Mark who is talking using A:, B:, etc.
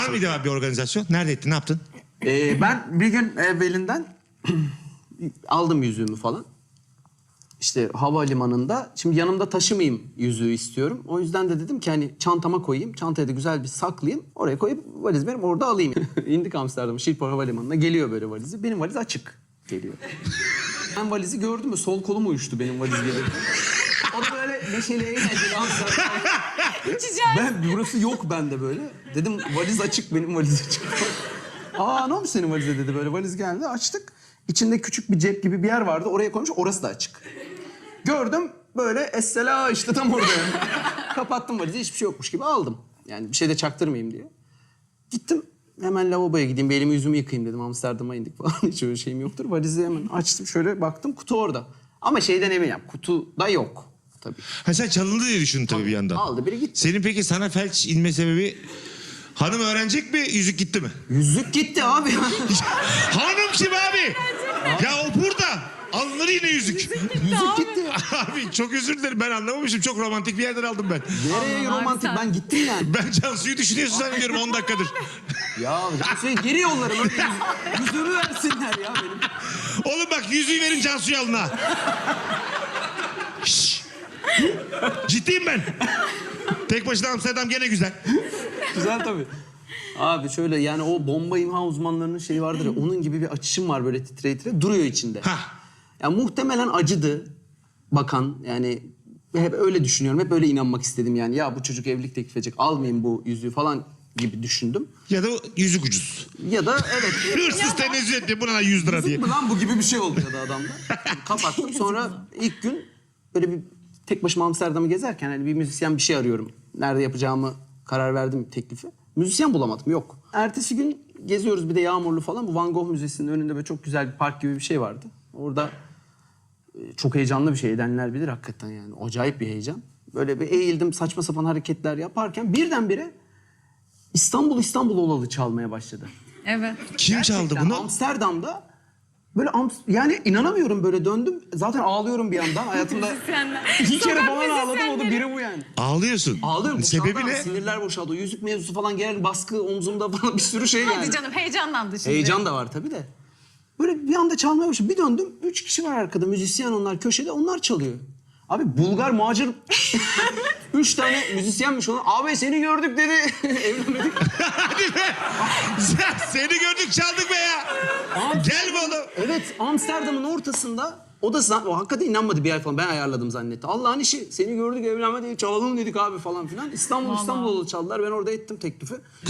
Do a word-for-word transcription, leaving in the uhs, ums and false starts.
A: Var mıydı abi bir organizasyon? Nerede ettin? Ne yaptın?
B: Ee, ben bir gün evvelinden aldım yüzüğümü falan. İşte havalimanında, şimdi yanımda taşımayayım yüzüğü istiyorum. O yüzden de dedim ki hani çantama koyayım, çantaya da güzel bir saklayayım. Oraya koyup valiz benim orada alayım. İndik Amsterdam Schiphol Havalimanı'na, geliyor böyle valizi. Benim valiz açık geliyor. Ben valizi gördüm mü sol kolum uyuştu benim valiz gelirken. O da böyle neşeli eğlenceli Amsterdam. Ben burası yok bende böyle. Dedim valiz açık, benim valiz açık. Aa ne olmuş senin valize dedi, böyle valiz geldi, açtık. İçinde küçük bir cep gibi bir yer vardı, oraya koymuş, orası da açık. Gördüm böyle essela işte tam orada yani. Kapattım valizi, hiçbir şey yokmuş gibi aldım. Yani bir şey de çaktırmayayım diye. Gittim hemen lavaboya gideyim, bir elimi yüzümü yıkayayım dedim, Amsterdam'a indik falan. Hiç öyle şeyim yoktur. Valizi hemen açtım, şöyle baktım, kutu orada. Ama şeyden eminim, kutuda yok tabii.
A: Ha sen çalındı diye düşündün tabii bir yandan.
B: Aldı biri gitti.
A: Senin peki sana felç inme sebebi... Hanım öğrenecek mi? Yüzük gitti mi?
B: Yüzük gitti abi.
A: Hanım kim abi? Ya o burada. Alınır yine yüzük.
B: Yüzük gitti ya.
A: Abi çok özür dilerim, ben anlamamışım. Çok romantik bir yerden aldım ben.
B: Nereye
C: Allah,
B: romantik,
C: abi sen-
B: ben gittim yani.
A: Ben Cansu'yu düşünüyorsun zannediyorum on dakikadır.
B: Ya şey, geri yollarım. Öyle yüz- yüzüğümü versinler ya benim.
A: Oğlum bak yüzüğü verin Cansu'ya alın ha. Şşş. Ciddiyim ben. Tek başına Amsterdam gene güzel.
B: Güzel tabii. Abi şöyle yani o bomba imha uzmanlarının şeyi vardır ya, onun gibi bir açışım var böyle titre titre duruyor içinde.
A: Hah.
B: Ya muhtemelen acıdı bakan, yani hep öyle düşünüyorum, hep öyle inanmak istedim yani. Ya bu çocuk evlilik teklif edecek, almayayım bu yüzüğü falan gibi düşündüm.
A: Ya da yüzük ucuz.
B: Ya da evet.
A: Hırsız tenezzül etti buna yüz lira diye.
B: Yüzük mü lan bu gibi bir şey oldu ya da adamda. Kapattım, sonra ilk gün böyle bir tek başıma Amsterdam'ı gezerken hani bir müzisyen bir şey arıyorum. Nerede yapacağımı karar verdim teklifi. Müzisyen bulamadım, yok. Ertesi gün geziyoruz, bir de yağmurlu falan. Bu Van Gogh Müzesi'nin önünde böyle çok güzel bir park gibi bir şey vardı. Orada e, çok heyecanlı bir şey, edenler bilir hakikaten yani. Acayip bir heyecan. Böyle bir eğildim, saçma sapan hareketler yaparken birdenbire İstanbul İstanbul olalı çalmaya başladı.
C: Evet.
A: Kim çaldı
B: Gerçekten
A: bunu?
B: Amsterdam'da böyle Am- yani inanamıyorum, böyle döndüm. Zaten ağlıyorum bir yandan hayatımda.
C: Müzisyenler.
B: İki kere
C: Sokak
B: falan ağladım, o da
C: müzisyenleri.
B: biri bu yani.
A: Ağlıyorsun.
B: Ağlıyorum.
A: Sebebi
B: boşaldı,
A: ne?
B: Sinirler boşaldı. O yüzük mevzusu falan, gelen baskı omzumda falan, bir sürü şey yani.
C: Hadi canım, heyecanlandı şimdi.
B: Heyecan da var tabii de. Böyle bir anda çalmaya başladı. Bir döndüm. Üç kişi var arkada. Müzisyen onlar köşede. Onlar çalıyor. Abi Bulgar muhacir. Üç tane müzisyenmiş onlar. Abi seni gördük dedi. Evlenmedik.
A: Hadi be. Sen- Seni gördük çaldık be ya. Gel be oğlum.
B: Evet, Amsterdam'ın ortasında. O da zan- o hakikaten inanmadı, bir ay falan. Ben ayarladım zannetti. Allah'ın işi. Seni gördük, evlenme diye çalalım dedik abi falan filan. İstanbul
C: Vallahi.
B: İstanbul'da çaldılar. Ben orada ettim teklifi.